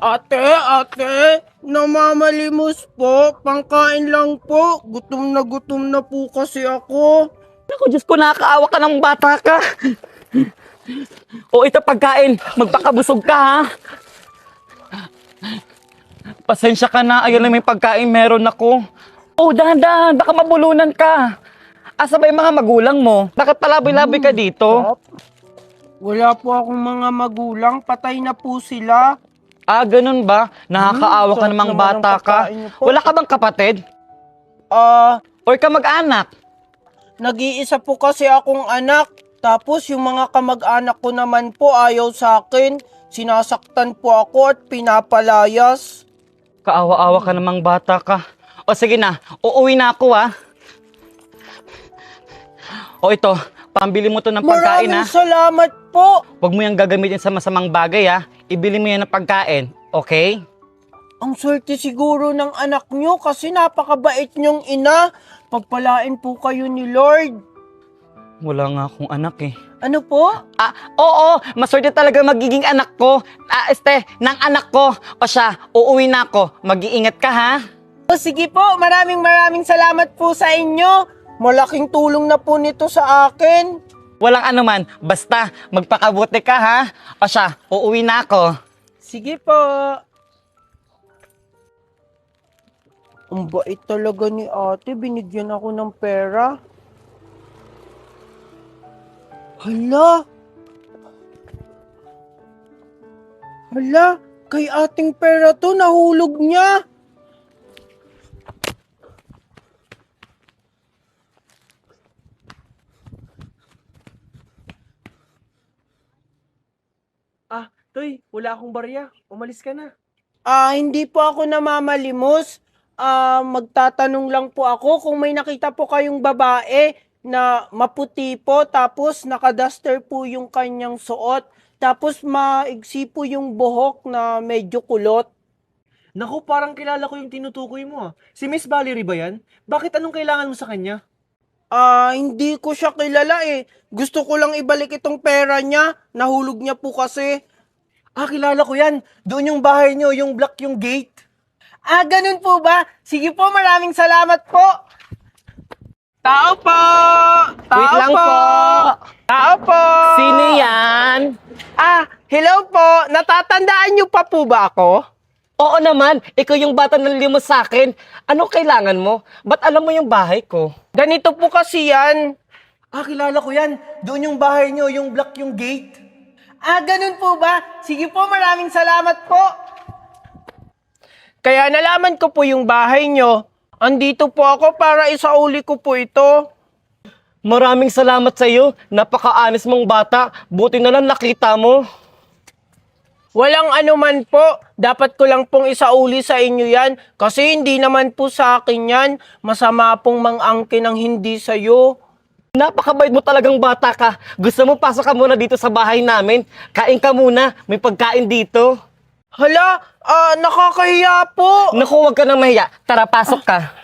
Ate, namamalimos po. Pangkain lang po. Gutom na po kasi ako. Ako, Diyos ko, nakakaawa ka ng bata ka. O ito pagkain, magpakabusog ka ha. Pasensya ka na, ayun lang may pagkain meron ako. Oh, dahan-dahan, baka mabulunan ka. Asa ba yung mga magulang mo? Bakit palaboy-laboy ka dito? Wala po akong mga magulang. Patay na po sila. Ah, ganun ba? Nakakaawa ka sarap namang naman bata ng ka. pagkain niyo po. Wala ka bang kapatid? Ah, Or ka mag-anak? nag-iisa po kasi akong anak. Tapos yung mga kamag-anak ko naman po ayaw sa akin. Sinasaktan po ako at pinapalayas. Kaawa-awa ka namang bata ka. O sige na, uuwi na ako ha. O ito, pambili mo to ng pagkain ha. Maraming salamat po. Huwag mo yung gagamitin sa masamang bagay ha. Ibili mo yan ng pagkain, okay? Ang swerte siguro ng anak nyo kasi napakabait nyong ina. Pagpalain po kayo ni Lord. Wala nga akong anak eh. Ano po? Ah, oo, maswerte talaga magiging anak ko. Ng anak ko. O siya, uuwi na ako. Mag-iingat ka ha. O sige po, maraming salamat po sa inyo. Malaking tulong na po nito sa akin. Walang anuman, basta magpakabuti ka ha. O siya, uuwi na ako. Sige po. Ang bait talaga ni ate, binigyan ako ng pera. Hala, kay ating pera to, nahulog niya. Toy, wala akong barya. Umalis ka na. Hindi po ako namamalimos. Magtatanong lang po ako kung may nakita po kayong babae na maputi po, tapos nakaduster po yung kanyang suot, tapos maigsi po yung buhok na medyo kulot. Naku, parang kilala ko yung tinutukoy mo ah. Si Miss Valerie ba yan? Bakit anong kailangan mo sa kanya? Hindi ko siya kilala eh. Gusto ko lang ibalik itong pera niya. Nahulog niya po kasi. Kilala ko yan. Doon yung bahay nyo, yung block yung gate. Ganun po ba? Sige po, maraming salamat po. Tao po! Wait lang po. Tao po! Sino yan? Hello po. Natatandaan niyo pa po ba ako? Oo naman, ikaw yung bata na limos sa akin. Anong kailangan mo? Ba't alam mo yung bahay ko? Ganito po kasi yan. Kilala ko yan. Doon yung bahay nyo, yung block yung gate. Ganun po ba? Sige po, maraming salamat po. Kaya nalaman ko po yung bahay nyo. Andito po ako para isauli ko po ito. Maraming salamat sa iyo. Napaka-honest mong bata. Buti na lang nakita mo. Walang anuman po. Dapat ko lang pong isauli sa inyo yan. Kasi hindi naman po sa akin yan. Masama pong mang-angkin ang hindi sa'yo. Napakabait mo talagang bata ka. Gusto mo pasok ka muna dito sa bahay namin? Kain ka muna. May pagkain dito. Hala, nakakahiya po. Naku, huwag ka nang mahiya. Tara, pasok ka.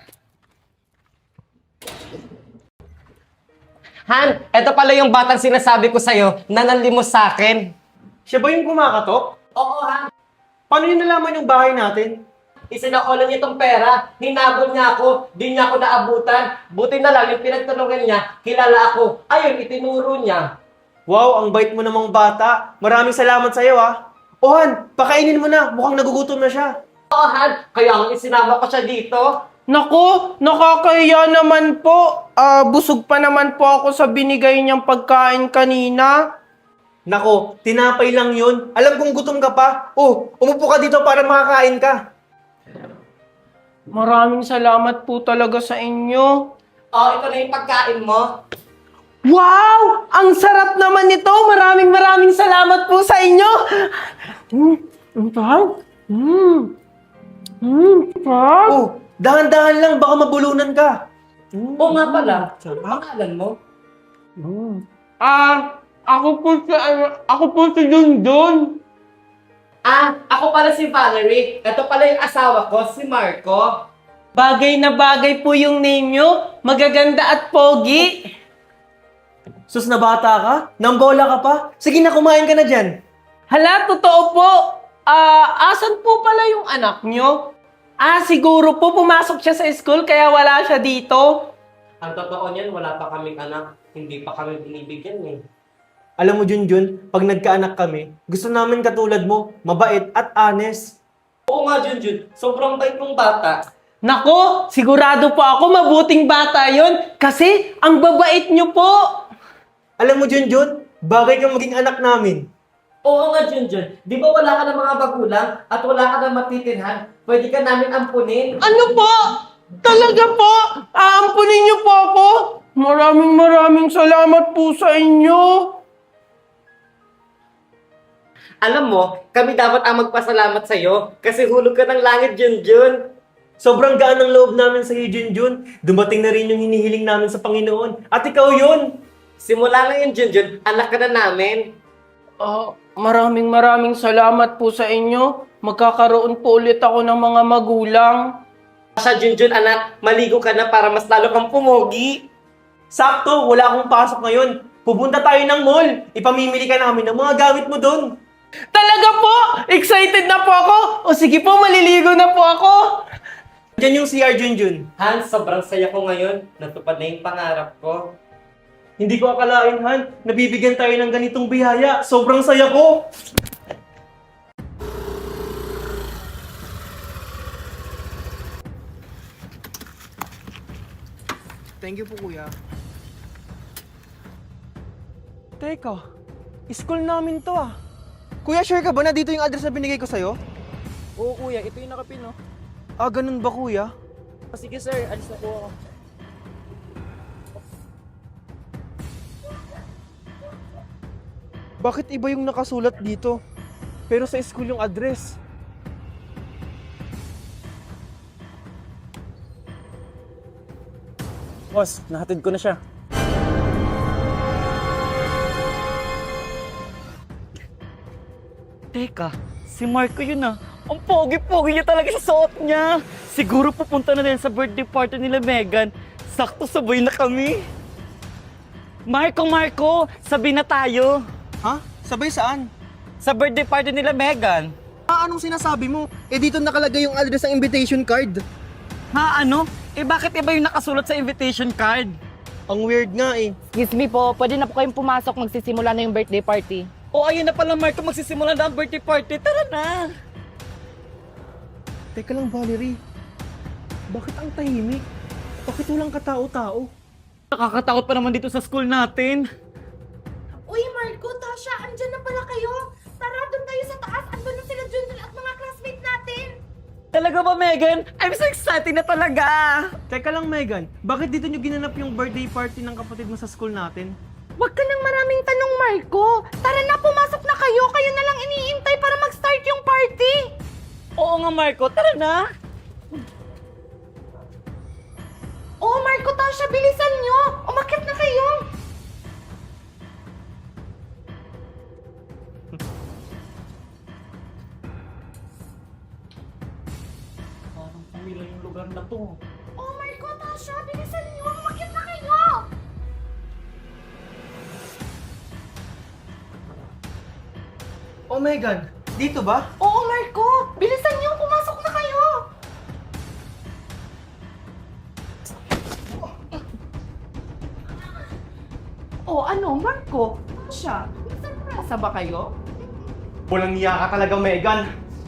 Han, eto pala yung batang sinasabi ko sa'yo na nanlimos sa akin. Siya ba yung kumakatok? Oo, Han. Paano yun nalaman yung bahay natin? Isinakulan niya itong pera, hinabol niya ako, di niya ako naabutan. Buti na lang yung pinagtanungan niya, kilala ako. Ayun, itinuro niya. Wow, ang bait mo namang bata. Maraming salamat sa'yo ah. Han, pakainin mo na. Mukhang nagugutom na siya. Oo, Han, kaya nga isinama ko siya dito. Naku, nakakahiya naman po. Busog pa naman po ako sa binigay niyang pagkain kanina. Nako, tinapay lang yun. Alam kong gutom ka pa. Umupo ka dito para makakain ka. Maraming salamat po talaga sa inyo. Ito na yung pagkain mo. Wow! Ang sarap naman nito! Maraming salamat po sa inyo! Ang sarap! Sarap! Dahan-dahan lang, baka mabulunan ka. Oo nga pala, pangalan mo? Ako po si Dundun. Ako pala si Valerie. Ito pala yung asawa ko, si Marco. Bagay na bagay po yung name nyo. Magaganda at pogi. Sus na bata ka? Nambola ka pa? Sige na, kumain ka na dyan. Hala, totoo po. Asan po pala yung anak nyo? Siguro po pumasok siya sa school kaya wala siya dito. Ang totoo niyan, wala pa kaming anak. Hindi pa kami binibigyan eh. Alam mo, Junjun, pag nagkaanak kami, gusto namin katulad mo, mabait at honest. Oo nga, Junjun. Sobrang bait mong bata. Nako, sigurado po ako mabuting bata yon kasi ang babait nyo po. Alam mo, Junjun, bagay kang maging anak namin. Oo nga, Junjun. Di ba wala ka ng mga magulang at wala ka ng matitirhan? Pwede ka namin ampunin. Ano po? Talaga po? Aampunin niyo po ako? Maraming salamat po sa inyo. Alam mo, kami dapat ang magpasalamat sa'yo kasi hulog ka ng langit, Junjun. Sobrang gaan ng loob namin sa iyo, Junjun. Dumating na rin yung hinihiling namin sa Panginoon. At ikaw yun! Simula ngayon, Junjun, anak ka na namin. Maraming salamat po sa inyo. Magkakaroon po ulit ako ng mga magulang. Siya, Junjun, anak, maligo ka na para mas lalo kang pumogi. Sakto, wala akong pasok ngayon. Pupunta tayo ng mall. Ipamimili ka namin ng mga gamit mo doon. Talaga po? Excited na po ako? O sige po, maliligo na po ako. Diyan yung CR, Junjun. Hans, sobrang saya ko ngayon. Natupad na yung pangarap ko. Hindi ko akalain, Han. Nabibigyan tayo ng ganitong biyaya. Sobrang saya ko. Thank you po, kuya. Teka, school namin to ah. Kuya, sure ka ba na dito yung address na binigay ko sa'yo? Oo kuya, ito yung nakapin no. Ganun ba, kuya? Sige sir, alis na po ako. Bakit iba yung nakasulat dito? Pero sa school yung address. Boss, nahatid ko na siya. Teka, si Marco yun ah. Ang pogi-pogi niya talaga sa suot niya. Siguro pupunta na din sa birthday party nila Megan. Sakto sabay na kami. Marco, sabi na tayo. Ha? Sabay saan? Sa birthday party nila Megan. Anong sinasabi mo? Dito nakalagay yung address ng invitation card. Ha, ano? Bakit iba yung nakasulat sa invitation card? Ang weird nga eh. Excuse me po, pwede na po kayong pumasok, magsisimula na yung birthday party. O ayun na pala Marco, magsisimula na ang birthday party. Tara na! Teka lang, Valerie. Bakit ang tahimik? Bakit walang katao-tao? Nakakatakot pa naman dito sa school natin. Uy, Marco, Tasha, andyan na pala kayo. Tara, doon tayo sa taas. Andun na sila Junjun at mga classmate natin. Talaga ba, Megan? I'm so excited na talaga! Teka lang, Megan. Bakit dito nyo ginanap yung birthday party ng kapatid mo sa school natin? Huwag ka nang maraming tanong, Marco. Tara na, pumasok na kayo. Kayo na lang iniintay para mag-start yung party. Oo nga, Marco. Tara na! Oh, Marco, Tasha, bilisan nyo. Umakyat na kayo. Parang pamilya yung lugar na to. Oh, Marco, Tasha, bilisan nyo. Umakyat na kayo. Oh, Megan. Dito ba? Oo, Marco. Bilisan nyo. Pumasok na kayo. Oh, ano, Marco? Tasha, may surpresa ba kayo? Walang niya ka talaga, Megan.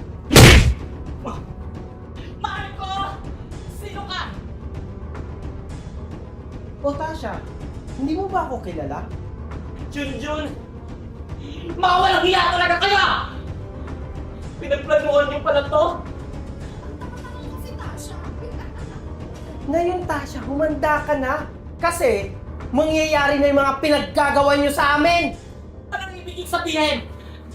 Marco! Sino ka? Oh, Tasha. Hindi mo ba ako kilala? Junjun! Mga walang hiya talaga kayo! Pinagplanuhan niyo pala to? Si Tasha. Ngayon, Tasha, humanda ka na. Kasi, mangyayari na yung mga pinaggagawa nyo sa amin. Anong ibig sabihin?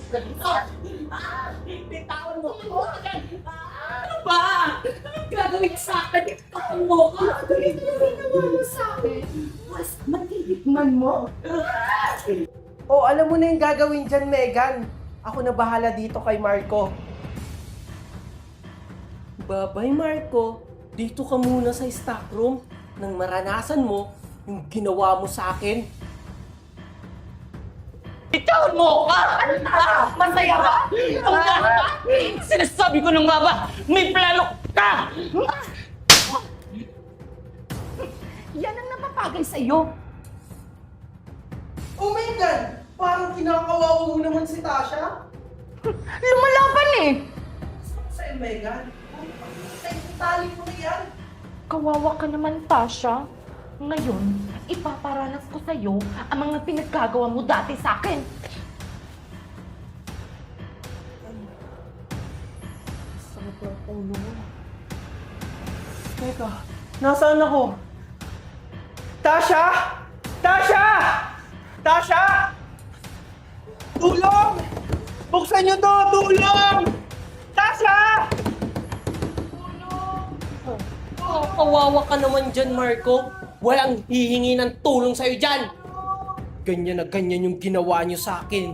Bitawan mo ako! Ano ba? Anong gagawin sa akin? Bitawan mo ako! Ano sa akin? Mas matitikman mo. O, alam mo na yung gagawin dyan, Megan. Ako na bahala dito kay Marco. Babay, Marco. Dito ka muna sa stock room nang maranasan mo yung ginawa mo sa akin. Bitawan mo ka! Masaya ba? Sinasabi ko nung nga ba, may plano ka! Yan ang napapagay sa'yo. Oh my God! Parang kinakawawa mo naman si Tasha. Lumalaban eh. Sa'yo, Megan. Tali mo na yan. Kawawa ka naman, Tasha. Ngayon, ipaparanas ko sa'yo ang mga pinaggagawa mo dati sa akin. Teka, nasaan ako? Tasha! Tasha! Tasha! Tulong! Buksan niyo to! Tulong! Tasha! Kawawa ka naman dyan, Marco. Walang hihingi ng tulong sa'yo dyan. Ganyan na ganyan yung ginawa niyo sa akin.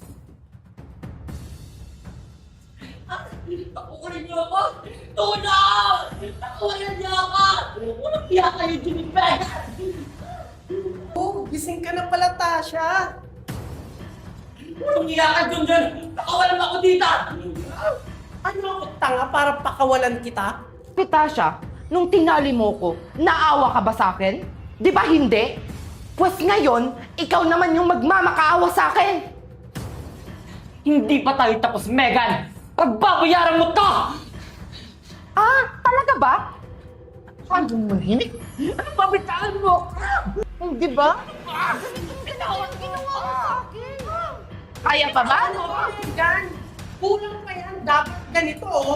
Takukunin niyo ako! Tulong! Takukunin niyo ako! Walang hiya kayo, Jimmy Megan! Oh, gising ka na pala, Tasha. Walang hiya ka, Junjun! Nakawalan ako dito! Ano ako tanga para pakawalan kita? Tasha, nung tinali mo ko, naawa ka ba sa akin? Di ba hindi? Pues ngayon, ikaw naman yung magmamakaawa sa akin. Hindi pa tayo tapos, Megan! Pagbabayaran mo to! Ah, talaga ba? Ano mahinig? Ano babitaan mo? Hindi ba? Ginawa mo sa akin. Kaya pa ba? Yan! Kulang pa yan. Dapat ganito, oh.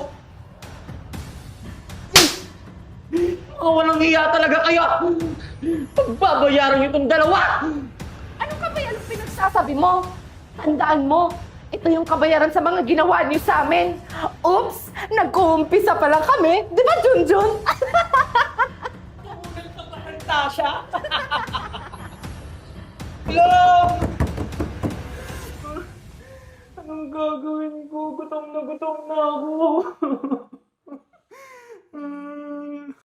Walang hiya talaga kayo! Pagbabayaran niyo itong dalawa! Ano ka ba yan ang pinagsasabi mo? Tandaan mo, ito yung kabayaran sa mga ginawa niyo sa amin. Oops! Nag-uumpisa pa lang kami. Di ba, Junjun? Tasha? Hello? Anong gagawin ko? Gutom na ako.